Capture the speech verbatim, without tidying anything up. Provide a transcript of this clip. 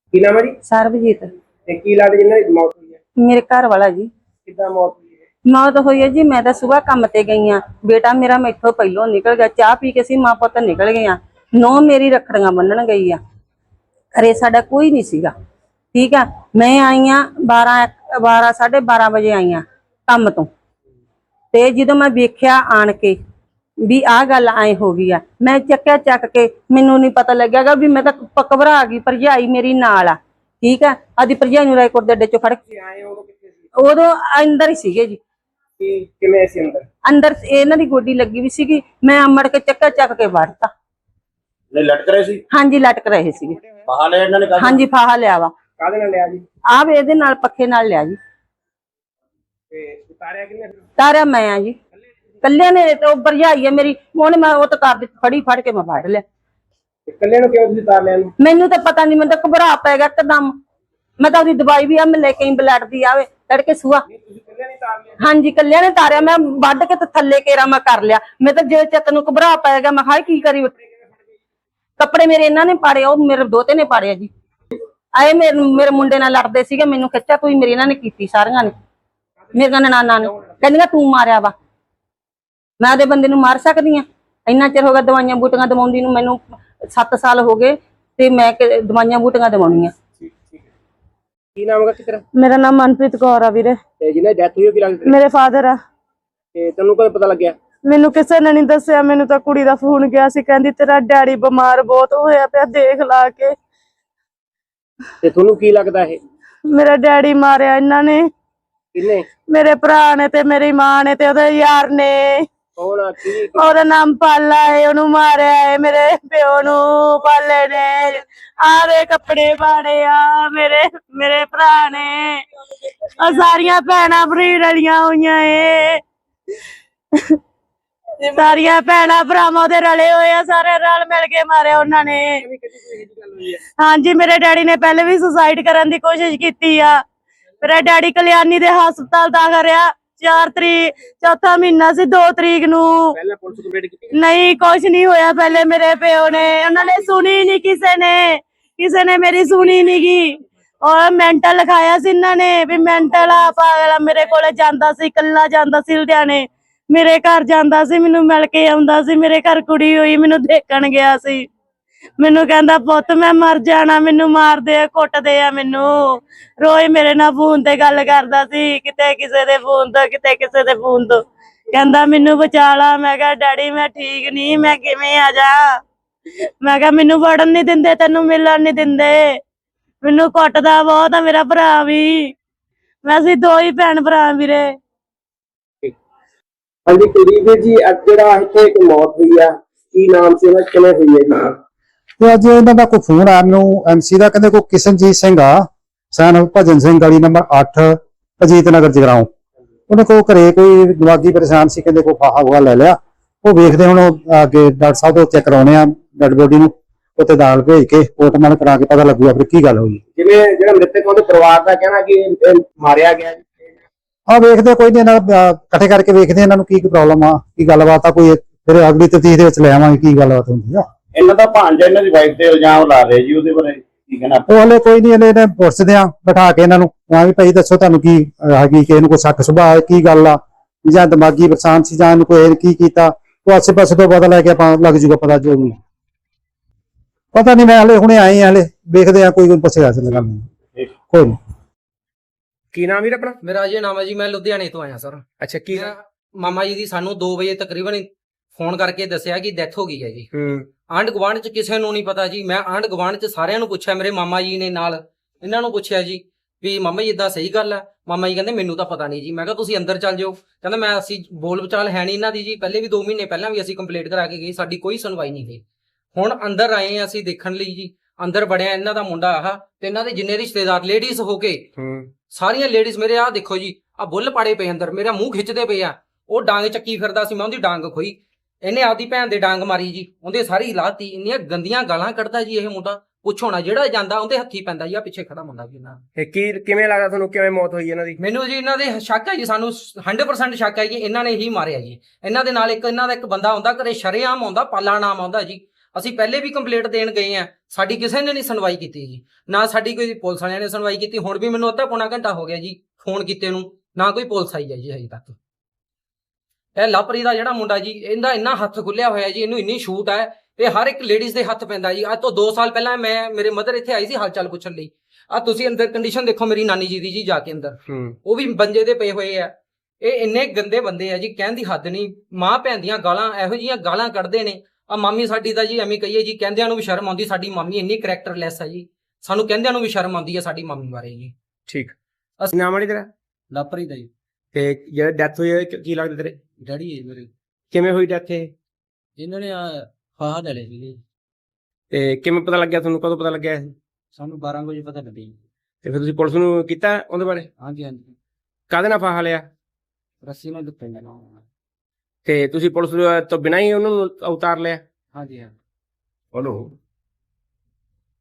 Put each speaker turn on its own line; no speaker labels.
ਕੀ ਨਾਮ ਹੈ ਜੀ?
ਸਰਬਜੀਤ।
ਤੇ ਕੀ ਲੱਗਦਾ ਜਿਨ੍ਹਾਂ ਦੀ ਮੌਤ ਹੋਈ ਹੈ?
ਮੇਰੇ घर वाला जी।
ਕਿੱਦਾਂ ਮੌਤ ਹੋਈ ਹੈ?
मौत हुई है जी। मैं तो सुबह काम ते गई हाँ, बेटा मेरा मैथों पहलों निकल गया, चाह पी के सी मां पुत निकल गए। नौ मेरी रखड़ियां बन्नन गई आ, घरे साडा कोई नहीं सीगा। ठीक है, मैं आई हाँ बारह बारह साढ़े बारह बजे आई हाँ काम तो, ते जो मैं वेख्या आन के भी आ गल ऐ हो गई है, मैं चक्या चक के मैनू नहीं पता लगेगा भी मैं तो घबरा गई। भरजाई मेरी नाल आ, ठीक है, आदि भरजाई नूं रायकोट दे अड्डे चों फड़ के
ਤੁਸੀਂ ਆਏ ਉਦੋਂ ਕਿੱਥੇ ਸੀ?
उदों अंदर ही सीगे जी।
ਕੀ ਕਿਵੇਂ ਸੀ ਅੰਦਰ?
अंदर इन्हां दी गोडी लगी हुई सीगी, मैं अमड़ के चक्का चक के वड़ता।
नहीं लटक रहे सी?
हाँ जी लटक रहे सीगे।
फाहा लिया इन्होंने कहा?
हाँ जी फाहा लिया वा,
ਕਾਹਦੇ ਨਾਲ ਲਿਆ ਜੀ?
आप इहदे नाल पक्खे नाल लिया जी।
ਤੇ ਉਤਾਰਿਆ ਕਿੰਨੇ ਫਿਰ?
तारा मैं आ जी, कल्ले ने तो भरजाई है मेरी, उन्हें मैं वो तो कर दी फड़ी फड़ के मैं फड़ लिया।
ਤੇ ਇਕੱਲੇ ਨੂੰ ਕਿਉਂ ਤੁਸੀਂ ਉਤਾਰ ਲਿਆ ਇਹਨੂੰ?
मैनू तो पता नहीं, मैं तो घबरा पै गया एकदम। मैं तो उसकी दवाई भी आ मैं लेके आई ब्लड दी आवे तड़के सुआ।
ਨਹੀਂ ਤੁਸੀਂ ਇਕੱਲੇ ਨਹੀਂ ਉਤਾਰ ਲਿਆ?
हाँ जी कल्ले ने तारिया, मैं वढ़ के तो थल्ले केरा मैं कर लिया। मैं तो जो चत नूं घबरा पै गया, मैं हाय की करी। कपड़े मेरे इन्हां ने पाड़े, ओ मेरे दोते ने पाड़े जी। आए मेरे मेरे मुंडे नाल लड़दे सीगे, मैनू खिच्चा तू मेरी इन्हां ने कीती सारियां ने, मेरियां ननानां ने कहंदियां तू मारिया वा। मैं ਉਹਦੇ ਬੰਦੇ ਨੂੰ ਮਾਰ ਸਕਦੀ ਆ? ਇੰਨਾ ਚਿਰ ਹੋ ਗਿਆ ਦਵਾਈਆਂ ਬੂਟੀਆਂ ਦਵਾਉਂਦੀ ਨੂੰ, ਮੈਨੂੰ ਸੱਤ ਸਾਲ ਹੋ ਗਏ ਤੇ ਮੈਂ ਦਵਾਈਆਂ ਬੂਟੀਆਂ ਦਵਾਉਣੀਆਂ।
ਠੀਕ ਠੀਕ ਹੈ। ਕੀ ਨਾਮ ਹੈ ਕਿਤਰਾ?
ਮੇਰਾ ਨਾਮ ਮਨਪ੍ਰੀਤ ਕੌਰ ਆ ਵੀਰੇ।
ਤੇ ਜਿਹਨਾਂ ਦੀ ਡੈਥ ਹੋਈ ਉਹ ਕੀ ਲੱਗਦਾ?
ਮੇਰੇ ਫਾਦਰ ਆ।
ਤੇ ਤੈਨੂੰ ਕਦੋਂ ਪਤਾ ਲੱਗਿਆ?
ਮੈਨੂੰ ਕਿਸੇ ਨੇ ਨਹੀਂ ਦੱਸਿਆ, ਮੈਨੂੰ ਤਾਂ ਕੁੜੀ ਦਾ ਫੋਨ ਗਿਆ ਸੀ, ਕਹਿੰਦੀ ਤੇਰਾ ਡੈਡੀ ਬਿਮਾਰ ਬਹੁਤ ਹੋਇਆ ਪਿਆ, ਦੇਖ ਲਾ ਕੇ।
ਤੇ ਤੁਹਾਨੂੰ ਕੀ ਲੱਗਦਾ ਇਹ?
ਮੇਰਾ ਡੈਡੀ ਮਾਰਿਆ ਇਹਨਾਂ ਨੇ,
ਕਿੰਨੇ?
ਮੇਰੇ ਭਰਾ ਨੇ ਤੇ ਮੇਰੀ ਮਾਂ ਨੇ ਤੇ ਉਹਦੇ ਯਾਰ ਨੇ।
ਕੌਣ ਆ? ਕੀ
ਉਹਦਾ ਨਾਮ ਪਾਲਾ ਹੈ, ਉਹਨੂੰ ਮਾਰਿਆ ਹੈ ਮੇਰੇ ਪਿਓ ਨੂੰ। ਪਾਲੇ ਨੇ ਆਰੇ ਕੱਪੜੇ ਪਾੜੇ ਆ ਮੇਰੇ ਮੇਰੇ ਭਰਾ ਨੇ, ਆ ਸਾਰੀਆਂ ਭੈਣਾਂ ਬਰੀਡ ਵਾਲੀਆਂ ਹੋਈਆਂ ਏ, ਸਾਰੀਆਂ ਭੈਣਾਂ ਭਰਾਵਾਂ ਉਹਦੇ ਰਲੇ ਹੋਏ ਆ, ਸਾਰੇ ਰਲ ਮਿਲ ਕੇ ਮਾਰਿਆ ਉਹਨਾਂ ਨੇ। ਹਾਂਜੀ ਮੇਰੇ ਡੈਡੀ ਨੇ ਪਹਿਲੇ ਵੀ ਸੁਸਾਈਡ ਕਰਨ ਦੀ ਕੋਸ਼ਿਸ਼ ਕੀਤੀ ਆ। ਮੇਰਾ ਡੈਡੀ ਕਲਿਆਣੀ ਦੇ ਹਸਪਤਾਲ ਦਾਖਲ ਰਿਹਾ, ਚਾਰ ਤਰੀਕ ਚੌਥਾ ਮਹੀਨਾ ਸੀ, ਦੋ ਤਰੀਕ ਨੂੰ।
ਪਹਿਲਾਂ ਪੁਲਿਸ ਕੰਪਲੇਂਟ ਕੀਤੀ?
ਨਹੀਂ ਕੁਛ ਨਹੀਂ ਹੋਇਆ ਪਹਿਲੇ ਮੇਰੇ ਪਿਓ ਨੇ, ਉਹਨਾਂ ਨੇ ਸੁਣੀ ਨਹੀਂ, ਕਿਸੇ ਨੇ ਕਿਸੇ ਨੇ ਮੇਰੀ ਸੁਣੀ ਨੀ ਗੀ। ਔਰ ਮੈਂਟਲ ਲਿਖਾਇਆ ਸੀ ਇਹਨਾਂ ਨੇ ਵੀ ਮੈਂਟਲ ਆ, ਪਾਗਲ ਆ। ਮੇਰੇ ਕੋਲੇ ਜਾਂਦਾ ਸੀ, ਇਕੱਲਾ ਜਾਂਦਾ ਸੀ ਲੁਧਿਆਣੇ, ਮੇਰੇ ਘਰ ਜਾਂਦਾ ਸੀ, ਮੈਨੂੰ ਮਿਲ ਕੇ ਆਉਂਦਾ ਸੀ। ਮੇਰੇ ਘਰ ਕੁੜੀ ਹੋਈ, ਮੈਨੂੰ ਦੇਖਣ ਗਿਆ ਸੀ, ਮੈਨੂੰ ਕਹਿੰਦਾ ਪੁੱਤ ਮੈਂ ਮਰ ਜਾਣਾ, ਮੈਨੂੰ ਮਾਰਦੇ ਆ, ਕੁੱਟਦੇ ਆ ਮੈਨੂੰ। ਰੋਜ਼ ਮੇਰੇ ਨਾਲ ਫੋਨ ਤੇ ਗੱਲ ਕਰਦਾ ਸੀ, ਕਿਤੇ ਕਿਸੇ ਦੇ ਫੋਨ ਤੋਂ, ਕਿਤੇ ਕਿਸੇ ਦੇ ਫੋਨ ਤੋਂ। ਕਹਿੰਦਾ ਮੈਨੂੰ ਬਚਾ ਲਾ। ਮੈਂ ਕਿਹਾ ਡੈਡੀ ਮੈਂ ਠੀਕ ਨਹੀਂ, ਮੈਂ ਕਿਵੇਂ ਆ ਜਾ? ਮੈਂ ਕਿਹਾ ਮੈਨੂੰ ਵੜਨ ਨਹੀਂ ਦਿੰਦੇ, ਤੈਨੂੰ ਮਿਲਣ ਨਹੀਂ ਦਿੰਦੇ, ਮੈਨੂੰ ਕੁੱਟਦਾ ਬਹੁਤ ਆ ਮੇਰਾ ਭਰਾ ਵੀ। ਮੈਂ ਅਸੀਂ ਦੋ ਹੀ ਭੈਣ ਭਰਾ ਵੀਰੇ।
ਹਾਂਜੀ ਕੁਲਦੀਪ ਜੀ, ਅੱਜ ਜਿਹੜਾ ਇੱਥੇ ਇੱਕ ਮੌਤ ਹੋਈ ਆ, ਕੀ ਨਾਮ ਸੀ ਉਹਦਾ, ਕਿਵੇਂ ਹੋਈ ਹੈ ਜੀ?
ਤੇ ਅੱਜ ਇਹਨਾਂ ਦਾ ਕੋਈ ਫੋਨ ਆਇਆ ਮੈਨੂੰ ਐਮਸੀ ਦਾ, ਕਹਿੰਦੇ ਕੋਈ ਕਿਸ਼ਨਜੀਤ ਸਿੰਘ ਆ, ਸਨ ਭਜਨ ਸਿੰਘ ਗਲੀ ਨੰਬਰ ਅੱਠ ਅਜੀਤ ਨਗਰ ਜਗਰਾਉਂ। ਉਹਨੇ ਕੋਈ ਘਰੇ ਕੋਈ ਦਿਮਾਗੀ ਪਰੇਸ਼ਾਨ ਸੀ, ਕਹਿੰਦੇ ਕੋਈ ਫਾਹਾ ਹੋਆ ਲੈ ਲਿਆ। ਉਹ ਵੇਖਦੇ ਹੁਣ ਅੱਗੇ ਡਾਕਟਰ ਸਾਹਿਬ ਤੋਂ ਚੈੱਕ ਕਰਾਉਣੇ ਆ ਡੈਡ ਬੋਡੀ ਨੂੰ, ਉੱਥੇ ਦਾਲ ਭੇਜ ਕੇ ਪੋਸਟਮਾਰਟਮ ਕਰਾ ਕੇ ਪਤਾ ਲੱਗੂਗਾ ਫਿਰ ਕੀ ਗੱਲ ਹੋਈ।
ਜਿਵੇਂ ਜਿਹੜਾ ਮ੍ਰਿਤਕ ਉਹਦੇ ਪਰਿਵਾਰ ਦਾ ਕਹਿਣਾ ਕਿ ਇਹ ਮਾਰਿਆ ਗਿਆ।
ਆ ਵੇਖਦੇ ਕੋਈ ਨਹੀਂ, ਇਹਨਾਂ ਦਾ ਇਕੱਠੇ ਕਰਕੇ ਵੇਖਦੇ ਇਹਨਾਂ ਨੂੰ ਕੀ ਪ੍ਰੋਬਲਮ ਆ, ਕੀ ਗੱਲਬਾਤ ਆ, ਕੋਈ ਫਿਰ ਅਗਲੀ ਤਫਤੀਸ਼ ਦੇ ਵਿੱਚ ਲੈ ਆਵਾਂਗੇ ਕੀ ਗੱਲਬਾਤ ਹੁੰਦੀ ਆ।
ਇਹਨਾਂ ਦਾ ਭਾਂਜਾ ਇਹਨਾਂ ਦੀ ਵਾਈਫ ਤੇ ਇਲਜ਼ਾਮ ਲਾ ਰਹੇ ਜੀ, ਉਹਦੇ ਬਾਰੇ ਕੀ ਕਹਿਣਾ?
ਉਹ ਹਲੇ ਕੋਈ ਨਹੀਂ, ਇਹਨੇ ਪੁੱਛਦੇ ਆ ਬਿਠਾ ਕੇ ਇਹਨਾਂ ਨੂੰ, ਹਾਂ ਵੀ ਭਾਈ ਦੱਸੋ ਤੁਹਾਨੂੰ ਕੀ ਹੈਗੀ, ਕਿ ਇਹਨੂੰ ਕੋਈ ਸ਼ੱਕ ਸੁਭਾਅ ਹੈ, ਕੀ ਗੱਲ ਆ, ਜਾਂ ਦਿਮਾਗੀ ਪਰੇਸ਼ਾਨ ਸੀ, ਜਾਂ ਇਹਨੂੰ ਕੋਈ ਕੀ ਕੀਤਾ। ਉਹ ਆਸੇ ਪਾਸੇ ਤੋਂ ਪਤਾ ਲੈ ਕੇ ਆਪਾਂ ਲੱਗ ਜੂਗਾ ਪਤਾ, ਜੋ ਵੀ ਪਤਾ ਨਹੀਂ। ਮੈਂ ਹਲੇ ਹੁਣੇ ਆਏ ਆ, ਹਲੇ ਵੇਖਦੇ ਆ, ਕੋਈ ਕੋਈ ਪੁੱਛੇਗਾ ਸੀ ਗੱਲ ਕੋਈ ਨਹੀਂ।
ਕੀ ਨਾਮ ਵੀਰ ਆਪਣਾ?
ਮੇਰਾ ਅਜੇ ਨਾਮ ਹੈ ਜੀ, ਮੈਂ ਲੁਧਿਆਣੇ ਤੋਂ ਆਇਆ ਸਰ।
ਅੱਛਾ ਕੀ?
ਮੇਰਾ ਮਾਮਾ ਜੀ ਦੀ ਸਾਨੂੰ ਦੋ ਵਜੇ ਤਕਰੀਬਨ ਫੋਨ ਕਰਕੇ ਦੱਸਿਆ ਕਿ ਡੈਥ ਹੋ ਗਈ ਹੈ ਜੀ।
ਹੂੰ।
ਆਂਢ ਗੁਆਂਢ ਚ ਕਿਸੇ ਨੂੰ ਨਹੀਂ ਪਤਾ ਜੀ। ਮੈਂ ਆਂਢ ਗੁਆਂਢ ਚ ਸਾਰਿਆਂ ਨੂੰ ਪੁੱਛਿਆ, ਮੇਰੇ ਮਾਮਾ ਜੀ ਨੇ ਨਾਲ ਇਹਨਾਂ ਨੂੰ ਪੁੱਛਿਆ ਜੀ ਵੀ ਮਾਮਾ ਜੀ ਇਦਾਂ ਸਹੀ ਗੱਲ ਹੈ? ਮਾਮਾ ਜੀ ਕਹਿੰਦੇ ਮੈਨੂੰ ਤਾਂ ਪਤਾ ਨਹੀਂ ਜੀ। ਮੈਂ ਕਿਹਾ ਤੁਸੀਂ ਅੰਦਰ ਚੱਲ ਜਾਓ। ਕਹਿੰਦਾ ਮੈਂ ਅਸੀਂ ਬੋਲ ਬਚਾਲ ਹੈ ਨਹੀਂ ਇਹਨਾਂ ਦੀ ਜੀ। ਪਹਿਲੇ ਵੀ ਦੋ ਮਹੀਨੇ ਪਹਿਲਾਂ ਵੀ ਅਸੀਂ ਕੰਪਲੀਟ ਕਰਾ ਕੇ ਗਏ, ਸਾਡੀ ਕੋਈ ਸੁਣਵਾਈ ਨਹੀਂ ਹੋਈ। ਹੁਣ ਅੰਦਰ ਆਏ ਆ ਅਸੀਂ ਦੇਖਣ ਲਈ ਜੀ। ਅੰਦਰ ਵੜਿਆ, ਇਹਨਾਂ ਦਾ ਮੁੰਡਾ ਆਹ ਤੇ ਇਹਨਾਂ ਦੇ ਜਿੰਨੇ ਰਿਸ਼ਤੇਦਾਰ ਲੇਡੀਜ਼ ਹੋ ਕੇ ਸਾਰੀਆਂ ਲੇਡੀਜ਼ ਮੇਰੇ ਆਹ ਦੇਖੋ ਜੀ, ਆ ਬੁੱਲ ਪਾੜੇ ਪਏ ਅੰਦਰ, ਮੇਰਾ ਮੂੰਹ ਖਿੱਚਦੇ ਪਏ ਆ। ਉਹ ਡਾਂਗ ਚੱਕੀ ਫਿਰਦਾ ਸੀ, ਮੈਂ ਉਹਦੀ ਡਾਂਗ ਖੋਈ, ਇਹਨੇ ਆਪਦੀ ਭੈਣ ਦੇ ਡਾਂਗ ਮਾਰੀ ਜੀ, ਉਹਦੇ ਸਾਰੀ ਲਾਤੀ। ਇੰਨੀਆਂ ਗੰਦੀਆਂ ਗਾਲਾਂ ਕੱਢਦਾ ਜੀ ਇਹ ਮੁੰਡਾ, ਪੁੱਛੋ ਨਾ। ਜਿਹੜਾ ਜਾਂਦਾ ਉਹਦੇ ਹੱਥੀ ਪੈਂਦਾ ਜੀ, ਆ ਪਿੱਛੇ ਖੜਾ ਮੁੰਡਾ ਵੀ ਇਹਨਾਂ।
ਇਹ ਕੀ ਕਿਵੇਂ ਲੱਗਦਾ ਤੁਹਾਨੂੰ, ਕਿਵੇਂ ਮੌਤ ਹੋਈ ਇਹਨਾਂ ਦੀ?
ਮੈਨੂੰ ਜੀ ਇਹਨਾਂ ਦੇ ਸ਼ੱਕ ਹੈ ਜੀ, ਸਾਨੂੰ ਹੰਡਰਡ ਪਰਸੈਂਟ ਸ਼ੱਕ ਹੈ ਜੀ ਇਹਨਾਂ ਨੇ ਹੀ ਮਾਰਿਆ ਜੀ। ਇਹਨਾਂ ਦੇ ਨਾਲ ਇੱਕ ਇਹਨਾਂ ਦਾ ਇੱਕ ਬੰਦਾ ਆਉਂਦਾ ਘਰੇ, ਸ਼ਰੇਆਮ ਆਉਂਦਾ, ਪਾਲਾ ਨਾਮ ਆਉਂਦਾ ਜੀ। ਅਸੀਂ ਪਹਿਲੇ ਵੀ ਕੰਪਲੇਂਟ ਦੇਣ ਗਏ ਆ, ਸਾਡੀ ਕਿਸੇ ਨੇ ਨਹੀਂ ਸੁਣਵਾਈ ਕੀਤੀ ਜੀ, ਨਾ ਸਾਡੀ ਕੋਈ ਪੁਲਿਸ ਵਾਲਿਆਂ ਨੇ ਸੁਣਵਾਈ ਕੀਤੀ। ਹੁਣ ਵੀ ਮੈਨੂੰ ਅੱਧਾ ਪੌਣਾ ਘੰਟਾ ਹੋ ਗਿਆ ਜੀ ਫੋਨ ਕੀਤੇ ਨੂੰ, ਨਾ ਕੋਈ ਪੁਲਿਸ ਆਈ ਹੈ ਜੀ ਹਜੇ ਤੱਕ। ਇਹ ਲਵਪ੍ਰੀਤ ਦਾ ਜਿਹੜਾ ਮੁੰਡਾ ਜੀ, ਇਹਦਾ ਇੰਨਾ ਹੱਥ ਖੁੱਲਿਆ ਹੋਇਆ ਜੀ, ਇਹਨੂੰ ਇੰਨੀ ਛੂਟ ਹੈ, ਇਹ ਹਰ ਇੱਕ ਲੇਡੀਜ਼ ਦੇ ਹੱਥ ਪੈਂਦਾ ਜੀ। ਅੱਜ ਤੋਂ ਦੋ ਸਾਲ ਪਹਿਲਾਂ ਮੈਂ ਮੇਰੇ ਮਦਰ ਇੱਥੇ ਆਈ ਸੀ ਹਾਲ ਚਾਲ ਪੁੱਛਣ ਲਈ। ਆ ਤੁਸੀਂ ਅੰਦਰ ਕੰਡੀਸ਼ਨ ਦੇਖੋ ਮੇਰੀ ਨਾਨੀ ਜੀ ਦੀ ਜੀ, ਜਾ ਕੇ ਅੰਦਰ ਉਹ ਵੀ ਬੰਜੇ ਦੇ ਪਏ ਹੋਏ ਆ। ਇਹ ਇੰਨੇ ਗੰਦੇ ਬੰਦੇ ਆ ਜੀ, ਕਹਿਣ ਦੀ ਹੱਦ ਨਹੀਂ। ਮਾਂ ਭੈਣ ਦੀਆਂ ਗਾਲਾਂ, ਇਹੋ ਜਿਹੀਆਂ ਗਾਲਾਂ ਕੱਢਦੇ ਨੇ। ਆ ਮਾਮੀ ਸਾਡੀ ਦਾ ਜੀ ਐਵੇਂ ਕਹੀਏ ਜੀ, ਕਹਿੰਦਿਆਂ ਨੂੰ ਵੀ ਸ਼ਰਮ ਆਉਂਦੀ। ਸਾਡੀ ਮਾਮੀ ਇੰਨੀ ਕਰੈਕਟਰਲੈਸ ਆ ਜੀ, ਸਾਨੂੰ ਕਹਿੰਦਿਆਂ ਨੂੰ ਵੀ ਸ਼ਰਮ ਆਉਂਦੀ ਹੈ ਸਾਡੀ ਮਾਮੀ ਬਾਰੇ ਜੀ।
ਠੀਕ। ਅਸੀਂ ਨਾਮ ਵਾਲੀ ਤੇਰਾ
ਲਵਪ੍ਰੀਤ ਦਾ ਜੀ।
ਤੇ ਜਿਹੜਾ ਡੈਥ ਹੋਈ ਹੈ ਕੀ ਲੱਗਦਾ ਤੇਰੇ?
ਡੈਡੀ ਹੈ ਮੇਰੇ।
ਕਿਵੇਂ ਹੋਈ ਡੈਥ ਇਹ?
ਇਹਨਾਂ ਨੇ ਫਾਹਾ ਲੈ ਲਿਆ ਸੀ।
ਤੇ ਕਿਵੇਂ ਪਤਾ ਲੱਗਿਆ ਤੁਹਾਨੂੰ, ਕਦੋਂ ਪਤਾ ਲੱਗਿਆ ਇਹ?
ਸਾਨੂੰ ਬਾਰਾਂ ਵਜੇ ਪਤਾ ਲੱਗਿਆ।
ਤੇ ਫਿਰ ਤੁਸੀਂ ਪੁਲਿਸ ਨੂੰ ਕੀਤਾ ਉਹਦੇ ਬਾਰੇ?
ਹਾਂਜੀ ਹਾਂਜੀ।
ਕਾਹਦੇ ਨਾਲ ਫਾਹਾ ਲਿਆ?
ਰੱਸੀ ਨਾਲ ਦੁੱਤੇ ਨਾ।
ਤੇ ਤੁਸੀਂ ਪੁਲਿਸ ਤੋਂ ਬਿਨਾਂ ਹੀ ਉਹਨੂੰ ਉਤਾਰ ਲਿਆ?
ਹਾਂਜੀ ਹਾਂ।
ਹਲੋ